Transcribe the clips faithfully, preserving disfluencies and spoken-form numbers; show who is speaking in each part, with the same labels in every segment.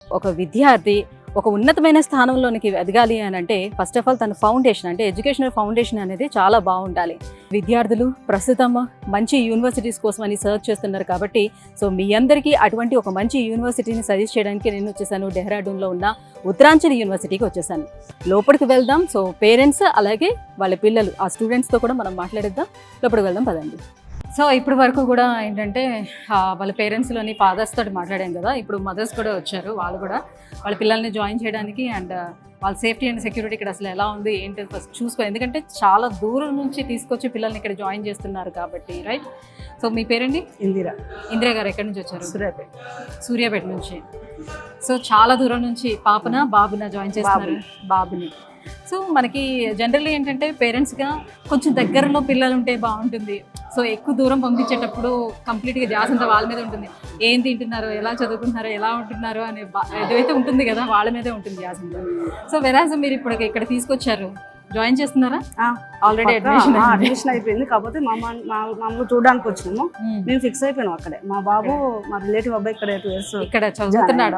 Speaker 1: ఒక విద్యార్థి ఒక ఉన్నతమైన స్థానంలోనికి ఎదగాలి అని అంటే ఫస్ట్ ఆఫ్ ఆల్ తన ఫౌండేషన్ అంటే ఎడ్యుకేషనల్ ఫౌండేషన్ అనేది చాలా బాగుండాలి. విద్యార్థులు ప్రస్తుతం మంచి యూనివర్సిటీస్ కోసం అని సర్చ్ చేస్తున్నారు కాబట్టి సో మీ అందరికీ అటువంటి ఒక మంచి యూనివర్సిటీని సజెస్ట్ చేయడానికి నేను వచ్చేసాను. డెహ్రాడూన్లో ఉన్న ఉత్తరాంచల్ యూనివర్సిటీకి వచ్చేసాను. లోపలికి వెళ్దాం. సో పేరెంట్స్ అలాగే వాళ్ళ పిల్లలు ఆ స్టూడెంట్స్తో కూడా మనం మాట్లాడిద్దాం. లోపలికి వెళ్దాం పదండి. సో ఇప్పటి వరకు కూడా ఏంటంటే వాళ్ళ పేరెంట్స్లోని ఫాదర్స్ తోటి మాట్లాడాం కదా, ఇప్పుడు మదర్స్ కూడా వచ్చారు. వాళ్ళు కూడా వాళ్ళ పిల్లల్ని జాయిన్ చేయడానికి అండ్ వాళ్ళ సేఫ్టీ అండ్ సెక్యూరిటీ ఇక్కడ అసలు ఎలా ఉంది ఏంటి ఫస్ట్ చూసుకో, ఎందుకంటే చాలా దూరం నుంచి తీసుకొచ్చి పిల్లల్ని ఇక్కడ జాయిన్ చేస్తున్నారు కాబట్టి, రైట్? సో మీ పేరండి?
Speaker 2: ఇందిరా.
Speaker 1: ఇందిరా గారు ఎక్కడి నుంచి వచ్చారు?
Speaker 2: సూర్యాపేట.
Speaker 1: సూర్యాపేట నుంచి. సో చాలా దూరం నుంచి పాపన బాబున జాయిన్ చేస్తున్నారు. బాబుని. సో మనకి జనరల్లీ ఏంటంటే పేరెంట్స్గా కొంచెం దగ్గరలో పిల్లలు ఉంటే బాగుంటుంది. సో ఎక్కువ దూరం పంపించేటప్పుడు కంప్లీట్గా ధ్యాస అంతా వాళ్ళ మీద ఉంటుంది. ఏం తింటున్నారో, ఎలా చదువుకుంటున్నారో, ఎలా ఉంటున్నారో అనే ఏదైతే ఉంటుంది కదా వాళ్ళ మీదే ఉంటుంది ధ్యాస అంతా. సో వెరాజ్ మీరు ఇప్పుడు ఇక్కడ తీసుకొచ్చారు, జాయిన్ చేస్తున్నారా? ఆల్రెడీ అడ్మిషన్
Speaker 2: అడ్మిషన్ అయిపోయింది. కాకపోతే మా మమ్మల్ని చూడడానికి వచ్చినాము. మేము ఫిక్స్ అయిపోయినాం అక్కడే. మా బాబు మా రిలేటివ్ అబ్బాయి ఇక్కడ టూ ఇయర్స్
Speaker 1: ఇక్కడ చదువుతున్నాడు.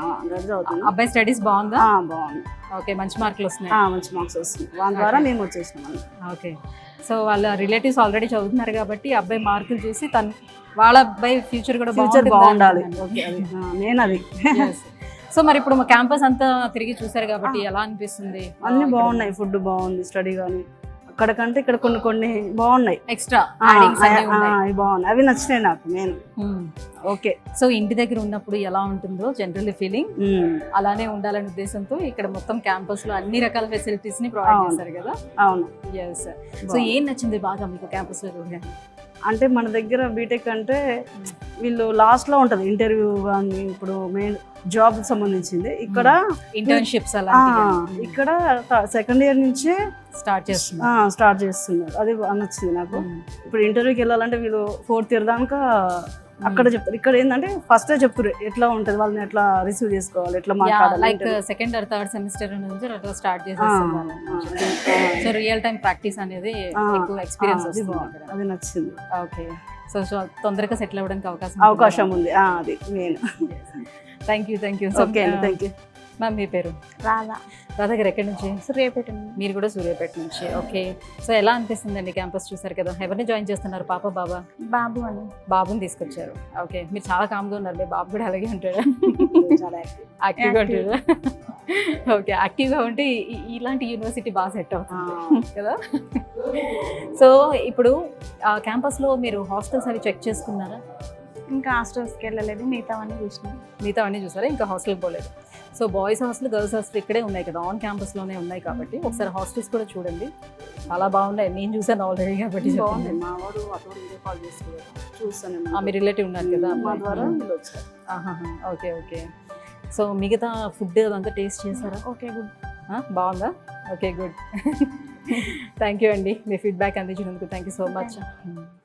Speaker 2: అబ్బాయి
Speaker 1: స్టడీస్ బాగుందా?
Speaker 2: బాగుంది.
Speaker 1: ఓకే, మంచి మార్కులు వస్తున్నాయి.
Speaker 2: మంచి మార్క్స్ వస్తున్నాయి. వాళ్ళ ద్వారా మేము వచ్చేసినాం.
Speaker 1: ఓకే, సో వాళ్ళ రిలేటివ్స్ ఆల్రెడీ చదువుతున్నారు కాబట్టి అబ్బాయి మార్కులు చూసి తను వాళ్ళ అబ్బాయి ఫ్యూచర్ కూడా
Speaker 2: ఫ్యూచర్ బాగుండాలి. నేను అది.
Speaker 1: సో మరి ఇప్పుడు మా క్యాంపస్ అంతా తిరిగి చూసారు కాబట్టి ఎలా అనిపిస్తుంది?
Speaker 2: అన్ని బాగున్నాయి. ఫుడ్ బాగుంది, స్టడీ కానీ అక్కడ కంటే ఇక్కడ కొన్ని కొన్ని బాగున్నాయి.
Speaker 1: ఎక్స్ట్రా
Speaker 2: బాగున్నాయి, అవి నచ్చినాయి నాకు. నేను ఓకే.
Speaker 1: సో ఇంటి దగ్గర ఉన్నప్పుడు ఎలా ఉంటుందో జనరల్ ఫీలింగ్ అలానే ఉండాలనే ఉద్దేశంతో ఇక్కడ మొత్తం క్యాంపస్ లో అన్ని రకాల ఫెసిలిటీస్ ని ప్రొవైడ్ చేస్తారు కదా.
Speaker 2: అవును.
Speaker 1: ఎస్. సో ఏం నచ్చింది బాగా మీకు క్యాంపస్ లో?
Speaker 2: అంటే మన దగ్గర బీటెక్ అంటే వీళ్ళు లాస్ట్ లో ఉంటది ఇంటర్వ్యూ కానీ ఇప్పుడు మెయిన్ జాబ్ సంబంధించింది. ఇక్కడ
Speaker 1: ఇంటర్న్షిప్స్ అలా
Speaker 2: ఇక్కడ సెకండ్ ఇయర్ నుంచి
Speaker 1: స్టార్ట్ చేస్తున్నారు
Speaker 2: స్టార్ట్ చేస్తున్నారు అది నచ్చింది నాకు. ఇప్పుడు ఇంటర్వ్యూకి వెళ్ళాలంటే వీళ్ళు ఫోర్త్ ఇయర్ దాకా అక్కడ చెప్తారు. ఇక్కడ ఏంటంటే ఫస్ట్ చెప్తారు ఎట్లా ఉంటది, వాళ్ళని ఎట్లా రిసీవ్ చేసుకోవాలి, ఎట్లా మాట్లాడాలి.
Speaker 1: Like second or third semester నుంచి అట్లా స్టార్ట్ చేసేస్తున్నారు. సో రియల్ టైం ప్రాక్టీస్ అనేది ఎక్కువ ఎక్స్పీరియన్స్ వస్తుంది.
Speaker 2: అది నచ్చింది.
Speaker 1: ఓకే. సో సో తొందరగా సెటిల్ అవ్వడానికి అవకాశం
Speaker 2: అవకాశం ఉంది. అది నేను.
Speaker 1: Thank you thank you.
Speaker 2: Okay అండి, థ్యాంక్ యూ.
Speaker 1: మ్యామ్ మీ పేరు?
Speaker 3: రాధా.
Speaker 1: రాధా గారు ఎక్కడి నుంచి?
Speaker 3: సూర్యాపేట.
Speaker 1: మీరు కూడా సూర్యాపేట నుంచి. ఓకే. సో ఎలా అనిపిస్తుందండి క్యాంపస్ చూసారు కదా, ఎవరిని జాయిన్ చేస్తున్నారు? పాప బాబా?
Speaker 3: బాబు అని.
Speaker 1: బాబుని తీసుకొచ్చారు. ఓకే, మీరు చాలా కామ్గా ఉన్నారు. మీ బాబు కూడా అలాగే ఉంటాడు, చాలా యాక్టివ్గా ఉంటాడు. ఓకే, యాక్టివ్గా ఉంటే ఇలాంటి యూనివర్సిటీ బాగా సెట్ అవుతుంది కదా. సో ఇప్పుడు క్యాంపస్లో మీరు హాస్టల్స్ అవి చెక్ చేసుకున్నారా?
Speaker 3: ఇంకా హాస్టల్స్కి వెళ్ళలేదు, మిగతావన్నీ చూసినాం.
Speaker 1: మిగతావన్నీ చూసారా? ఇంకా హాస్టల్కి పోలేదు. So boys hostel, girls hostel ఇక్కడే ఉన్నాయి కదా, ఆన్ క్యాంపస్లోనే ఉన్నాయి కాబట్టి ఒకసారి హాస్టల్స్ కూడా చూడండి. చాలా బాగున్నాయి, నేను చూసాను ఆల్రెడీ కాబట్టి.
Speaker 2: బాగుంది. మా వాడు అతను వీడియో కాల్ చేసుకున్నాడు, చూస్తాను.
Speaker 1: మీ రిలేటివ్ ఉన్నారు కదా
Speaker 2: మా ద్వారా వచ్చారు.
Speaker 1: Okay okay. సో మిగతా ఫుడ్ అదంతా టేస్ట్ చేశారా?
Speaker 3: Okay, good.
Speaker 1: బాగుందా? Okay, good. థ్యాంక్ యూ అండి, మీ ఫీడ్బ్యాక్ అందించినందుకు థ్యాంక్ యూ సో మచ్.